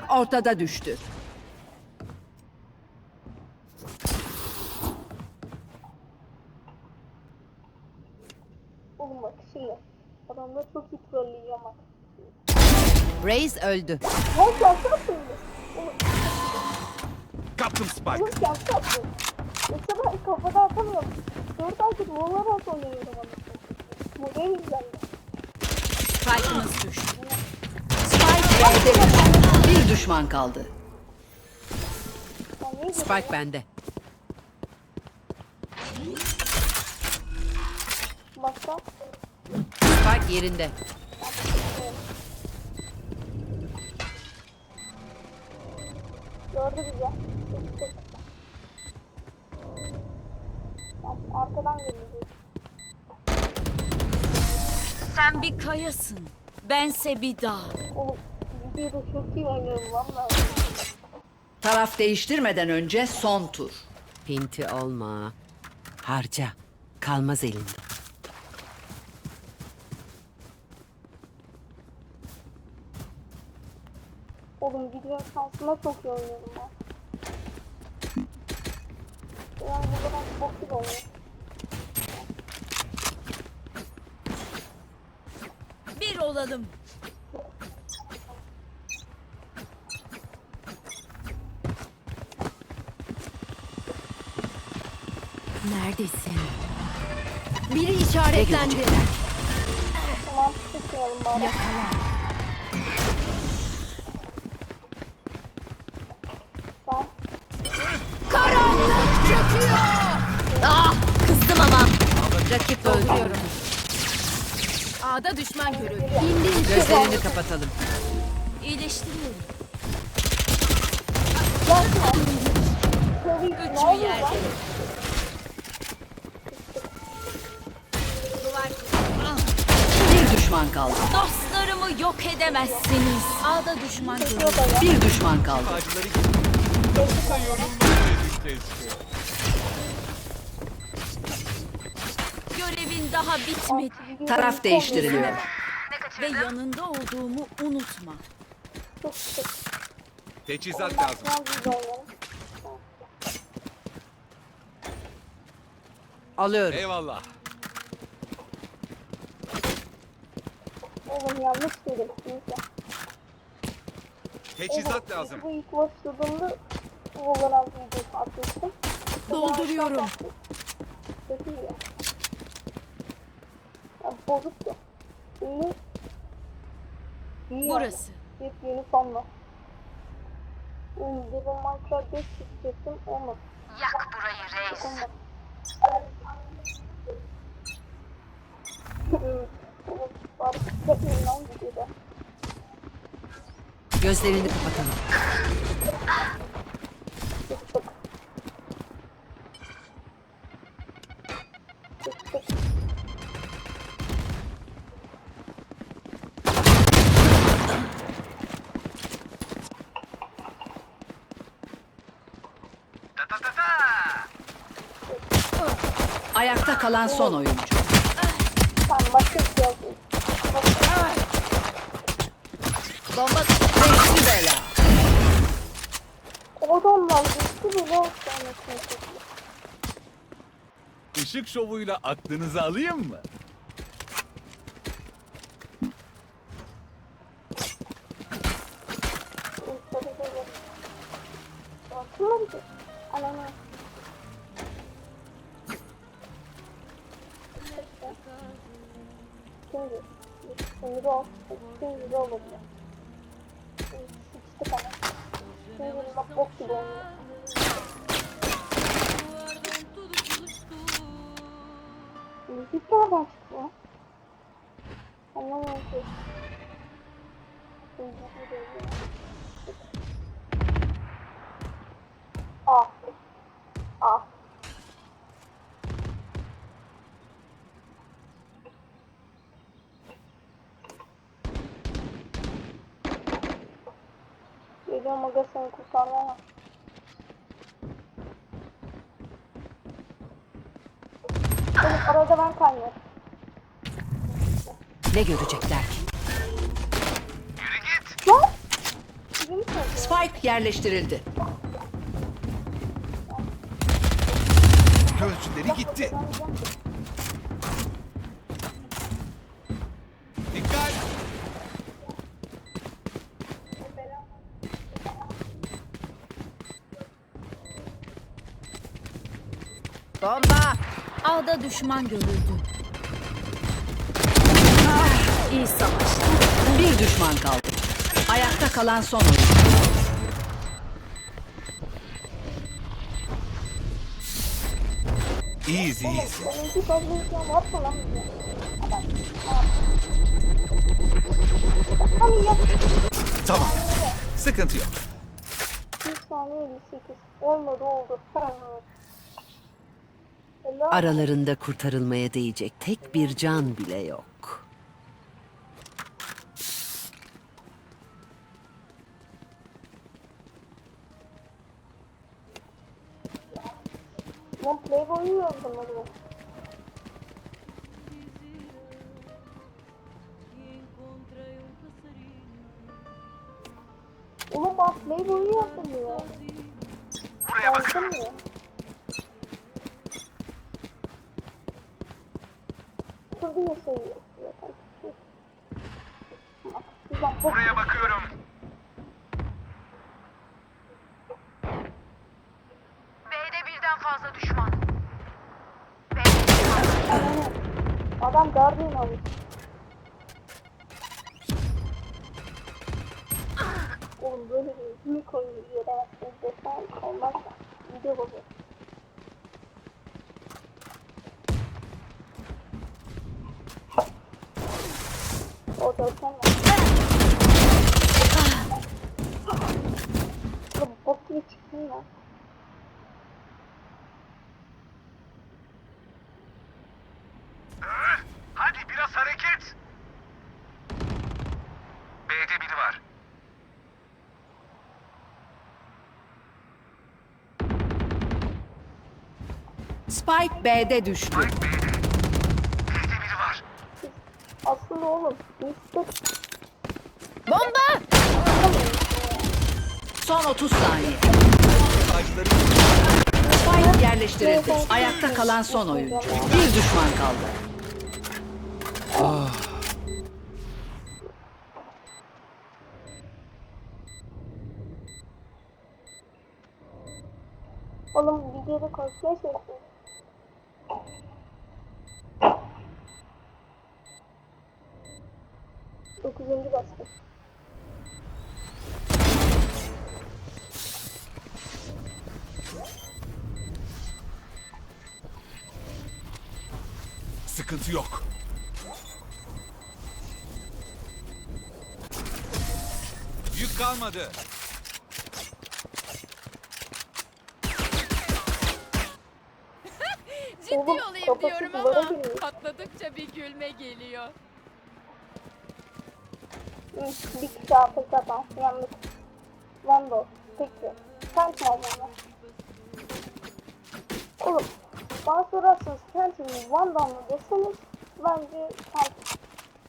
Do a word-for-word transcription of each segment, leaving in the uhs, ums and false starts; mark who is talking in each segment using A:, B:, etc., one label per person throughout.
A: ortada düştü.
B: Oğlum bak şimdi. Adamları çok iyi trolleyeceğim bak.
A: Reis öldü.
B: Lan şansı attın mı? Oğlum,
C: Kaptım Spike.
B: oğlum şansı attın. Yoksa ben kafada atamıyorum. Dört aydır Valorant oynuyorum anasını. Bu en güzel.
A: Spike'ımız düştü. Spike B'de düştü. Bir düşman kaldı.
B: Ben niye
A: Spike bende.
B: Başka?
A: Spike yerinde.
B: Gördü bizi. Sıçtık. Bak, arkadan geliyor.
D: Sen bir kayasın. Bense bir dağ.
B: Oğlum videoda çok iyi oynuyorum valla.
A: Taraf değiştirmeden önce son tur. Pinti olma. Harca. Kalmaz elinde.
B: Oğlum video şansına çok iyi oynuyorum ben. Yani burada ben çok iyi oynuyorum.
D: Bir olalım. Neredesin? Biri işaretlendi.
B: Tamam sıkmayalım bari.
D: Yakala.
B: Ben
D: Karanlık çöküyor. Ah, kızdım ama.
A: Rakip öldü.
D: A'da düşman görüldü.
A: Gözlerini kapatalım.
D: İyileştiriyorum.
B: yapma. Tabii ki ne
D: Üçü
B: oluyor
D: yerde.
B: lan?
D: Duvar.
A: Bir düşman kaldı.
D: Dostlarımı yok edemezsiniz. A'da düşman görüldü.
B: Yok öyle.
A: Bir düşman kaldı.
C: Ağacıları gibi. Keşke.
D: Görevin daha bitmedi.
A: Taraf değiştiriliyor.
D: Ve yanında olduğumu unutma.
B: Çok sık.
C: Teçhizat lazım.
B: Ben video oynuyorum.
A: Alıyorum.
C: Eyvallah.
B: Oğlum yanlış dedim. Neyse.
C: Teçhizat lazım.
B: Bu ilk başladığımda Valorant videosu atmıştım.
D: Dolduruyorum.
B: Kötü ya. Ya bozuktu. Şimdi iyi
D: Burası.
B: yani. Yepyeni sonla. Bir de Minecraft beş çekecektim. Olmadı.
D: Yak burayı reis.
B: Olmadı. Evet. Evet. Bari çekmeyin lan videoda.
A: Gözlerini kapatalım.
B: Çıktık. Çıktık.
A: Ayakta kalan son oyuncu.
B: Tamam başka bir şey yapayım.
A: Bomba beşli bela.
B: Adamlar gitti bile hastanesine çekiyor.
C: Işık şovuyla aklınızı alayım mı?
B: Bakma bir de. Anam. Şimdi. Şimdi de olsun. Şimdi de olur. Sıçtık ama. Şimdi bak bok gibi oynuyor. Müzik nereden çıktı ya? Anlamadım ki. Şimdi hadi oynayalım. Ah. Ah. Geliyorum aga seni kurtarmaya. Oğlum arada ben kaynıyorum.
A: Ne görecekler ki?
B: Lan! Bizim
A: Spike yerleştirildi.
C: Gözcüleri gitti. Dikkat.
A: Bomba.
D: A'da düşman görüldü. İyi savaş.
A: Bir düşman kaldı. Ayakta kalan son oyuncu.
C: Easy easy.
B: Benimki fazla ne yapma lan bize. Adam. Hani ya.
C: Tamam. Sıkıntı yok.
B: Bir saniye elli sekiz. Olmadı oldu. Helal.
A: Aralarında kurtarılmaya değecek tek bir can bile yok.
B: Ben Playboy'u yazdım onu. Oğlum ben Playboy'u yazdım ya. Buraya bakın. Ya. Şurada yaşayıyor. Buraya
C: bakıyorum.
E: B'de birden fazla düşman.
B: Adam Guardian almış. Oğlum böyle bir büyük oyun yere desen olmazsa video bozuyor. O dörtten var. Oğlum bok gibi çıktın ya.
C: Hadi biraz hareket. B'de biri var.
A: Spike B'de düştü.
C: B'de biri var.
B: Aslında oğlum işte
D: Bomba!
A: Son otuz saniye.
C: Ağaçları
A: Spike yerleştirildi. Ayakta kalan son oyuncu. Bir düşman kaldı.
B: oğlum videoda konuşuyor şey. Dokuzuncu baskı.
C: sıkıntı yok. Yük kalmadı.
D: Ciddi
B: Oğlum,
D: olayım
B: kafası
D: diyorum
B: duvara
D: ama
B: giriyor.
D: patladıkça bir gülme geliyor.
B: Hı, bir kişi afk atan. Yanlış. Vandal. Peki. Sen kim olmalı? Oğlum. Bana sorarsanız Phantom'ın Vandal mı deseniz bence Phantom.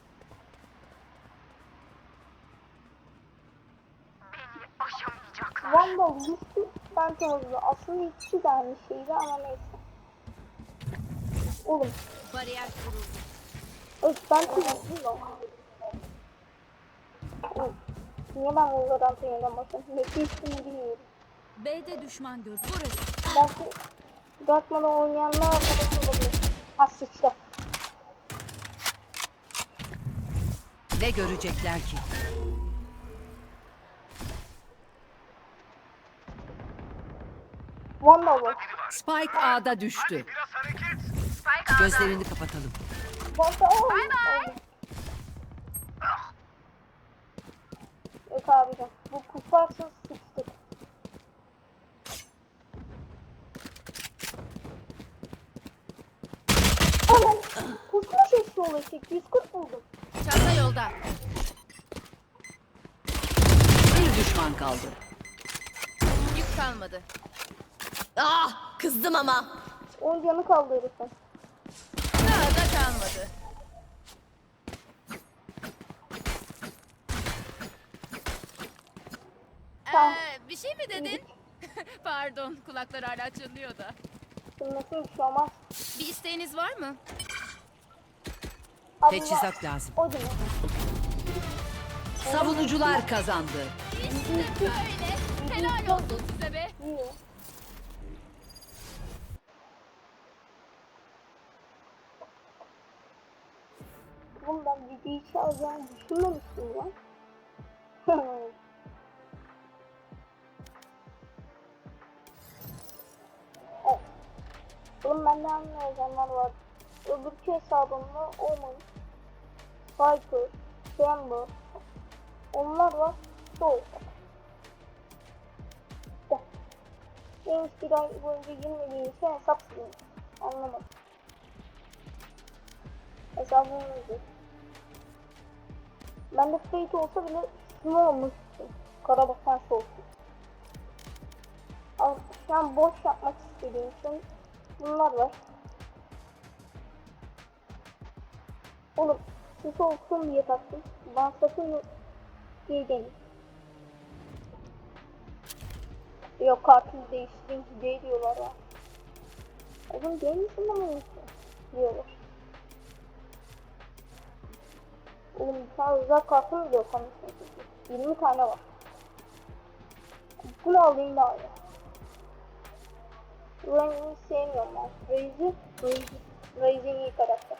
E: Beni aşamayacaklar.
B: Vandal güçlü, Phantom hızlı. Aslında ikisi de aynı şeydi ama neyse. Oğlum.
D: Bariyer kuruldu.
B: Evet, Phantom hızlı da. Oğlum. Niye ben Wolverhampton'a yeniden başladım? Mekki ismini bilmiyorum.
D: B'de düşman gördü. Burası.
B: Belki Darkman'da oynayanlar arkadaş olabilir. Ha sıçtı.
A: Ne görecekler ki?
B: Vandal var.
A: Spike A'da düştü.
C: Biraz hareket.
A: Gözlerini kapatalım.
B: Vandal. Bye bye. Yok abicim. Bu kuparsız sıçtık. Aman. Kusmuş eşi olacak. yüz kırk buldum.
D: Çanta yolda.
A: Bir düşman kaldı.
D: Yük kalmadı. Ah! Kızdım ama.
B: on canı kaldı herifin.
D: Daha da kalmadı.
B: Tamam.
D: Ee, bir şey mi dedin? Pardon, kulaklar hala çınlıyor da.
B: Bilmesin bir şey olmaz.
D: Bir isteğiniz var mı?
B: Abi
A: Teçhizat lazım.
B: o değil.
A: Savunucular kazandı.
D: İşte böyle. Helal olsun size be.
B: İyi. Oğlum ben videoyu çalacağını düşünmemiştim ya. Evet. Oğlum bende anlayanlar var. Öbürkü hesabımda olmamış. Viper, Chamber. Onlar var. Soğuk. İşte. En bir ay boyunca girmediği için hesap silmiş. Anlamadım. Hesabım neydi? Ben de Fate olsa bile ne olmuştu? Karabasan soğuk. Ama şu an boş yapmak istediğim için bunlar var. Oğlum siz olsun diye taktım. Ben sakın diye dedim. Yok kartını değiştirin hediye diyorlar ya. Oğlum değil misin ama neyse diyorlar. Oğlum bir tane özel kartım bile yok anlasını. yirmi tane var. Bunu alayım daha iyi. Ray'ı sevmiyorum ben. Ray'ı, Ray'ı, Ray'ın iyi karakter.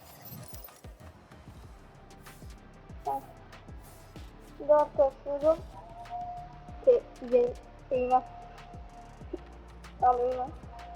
B: Ben şimdi arkadaşlarım Te, ye, Eymen. Tamam Eymen.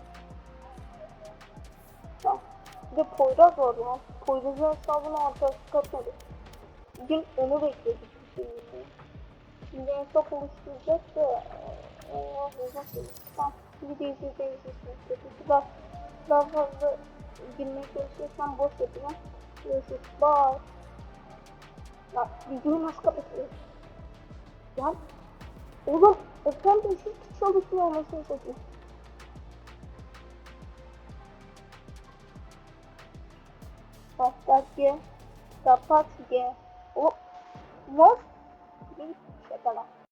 B: Tamam. Bir de Poyraz var ya. Poyraz'ın hesabına arkadaşlık atmadı. Bugün onu bekledik bir şey için. Şimdi en çok oluşturacak da Allah uzak değil. Tamam. Video izleyeceğiniz için daha, daha fazla girmeye çalışıyorsam boş yapacağım. Görüşürüz. Bye. Ya videoyu nasıl kapatıyoruz? Lan oğlum ekran değişik çalışmıyor olmasını satayım. Kapat G. Kapat G. O. Var. Bir şaka lan.